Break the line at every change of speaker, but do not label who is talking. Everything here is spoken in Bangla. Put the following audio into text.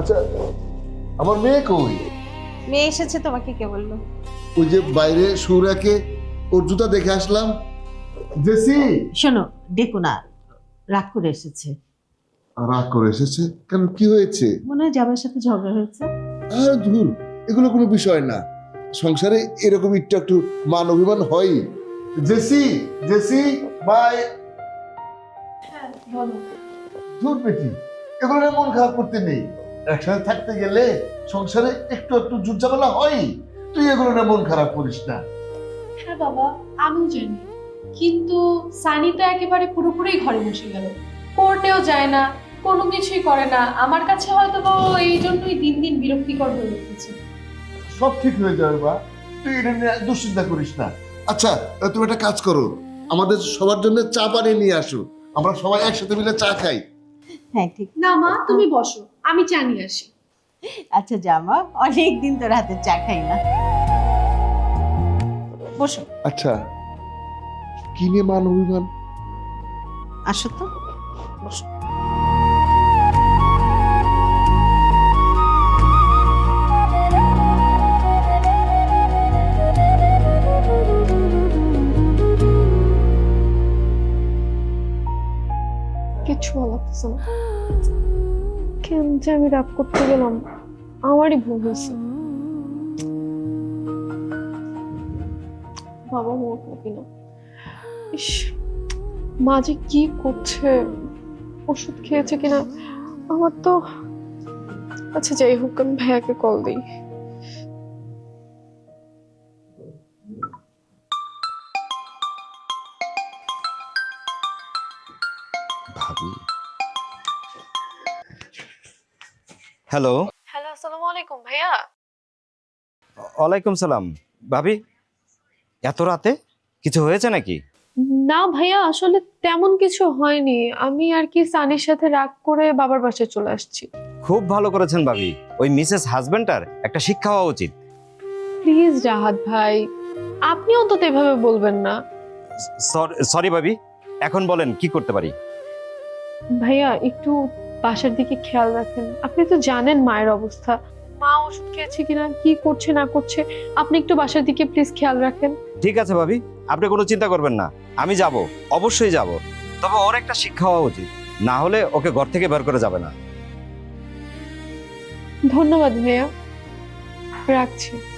আচ্ছা, আমার মেয়ে কই?
মেয়ে এসেছে, তোমাকে কে বললো?
ওই যে বাইরে সৌরাকে ওর জুতা দেখে আসলাম। জেসি,
শোনো, ডেকো না, রাগ করে এসেছে।
রাগ করে এসেছে কেন? কি হয়েছে?
মনে হয় জামাইয়ের সাথে ঝগড়া হয়েছে।
আর ধুর, এগুলো কোনো বিষয় না। সংসারে এরকম একটু একটু মান অভিমান হয়। Jessie, Jessie bye.
হ্যাঁ বলো।
ধুর বেটি, এগুলো নিয়ে মন খারাপ করতে নেই। একসাথে থাকতে গেলে সংসারে একটু একটু ঝুটঝামেলা হয়। তুই এগুলো নিয়ে মন খারাপ করিস না।
হ্যাঁ বাবা, আমিও জানি, কিন্তু সানি তো একেবারে পুরোপুরি ঘরে বসে গেল, কোর্টেও যায় না, কোনো কিছুই করে না। আমার কাছে হয়তো বা ও এই জন্যই দিন দিন বিরক্তিকর হয়ে উঠেছে।
সব ঠিক হয়ে যাবে বা, তুই এটা নিয়ে দুশ্চিন্তা করিস না। আচ্ছা, তুমি একটা কাজ করো, আমাদের সবার জন্য চা পানি নিয়ে আসো, আমরা সবাই একসাথে মিলে চা খাই।
হ্যাঁ ঠিক।
না মা, তুমি বসো, আমি চা নিয়ে আসি।
আচ্ছা জামা, অনেকদিন তোর হাতে চা খাই না, বসো।
আচ্ছা, কি নিয়ে মান অভিমান?
আসো তো, বসো।
কিচ্ছু ভালো লাগতেছে না, কেন যে আমি রাগ করতে গেলাম, আমারই ভুল হয়েছে। বাবা মোট নাকি না, ইস, মা যে কি করছে, ওষুধ খেয়েছে কিনা আমার তো। আচ্ছা যাই হোক, আমি ভাইয়াকে কল দিই।
ভাবি, হ্যালো।
হ্যালো, আসসালামু আলাইকুম ভাইয়া।
ওয়ালাইকুম সালাম। ভাবি, এত রাতে কিছু হয়েছে নাকি?
না ভাইয়া, আসলে তেমন কিছু হয়নি, আমি আর কি সানির সাথে রাগ করে বাবার বাসায় চলে আসছি।
খুব ভালো করেছেন ভাবি, ওই মিসেস হাজবেন্ডার একটা শিক্ষা হওয়া উচিত।
প্লিজ রাহাত ভাই, আপনি অন্তত এভাবে বলবেন না।
সরি ভাবি, এখন বলেন কি করতে পারি?
ভাইয়া একটু বাসার দিকে খেয়াল রাখেন, আপনি তো জানেন মায়ের অবস্থা, মা ওষুধ খেয়েছে কিনা, কি করছে না করছে, আপনি একটু বাসার দিকে প্লিজ খেয়াল রাখেন।
ঠিক আছে ভাবি, আপনি কোনো চিন্তা করবেন না, আমি যাব, অবশ্যই যাব। তবে ওর একটা শিক্ষা হওয়া উচিত, না হলে ওকে ঘর থেকে বের করে যাবে না।
ধন্যবাদ ভাইয়া, রাখছি।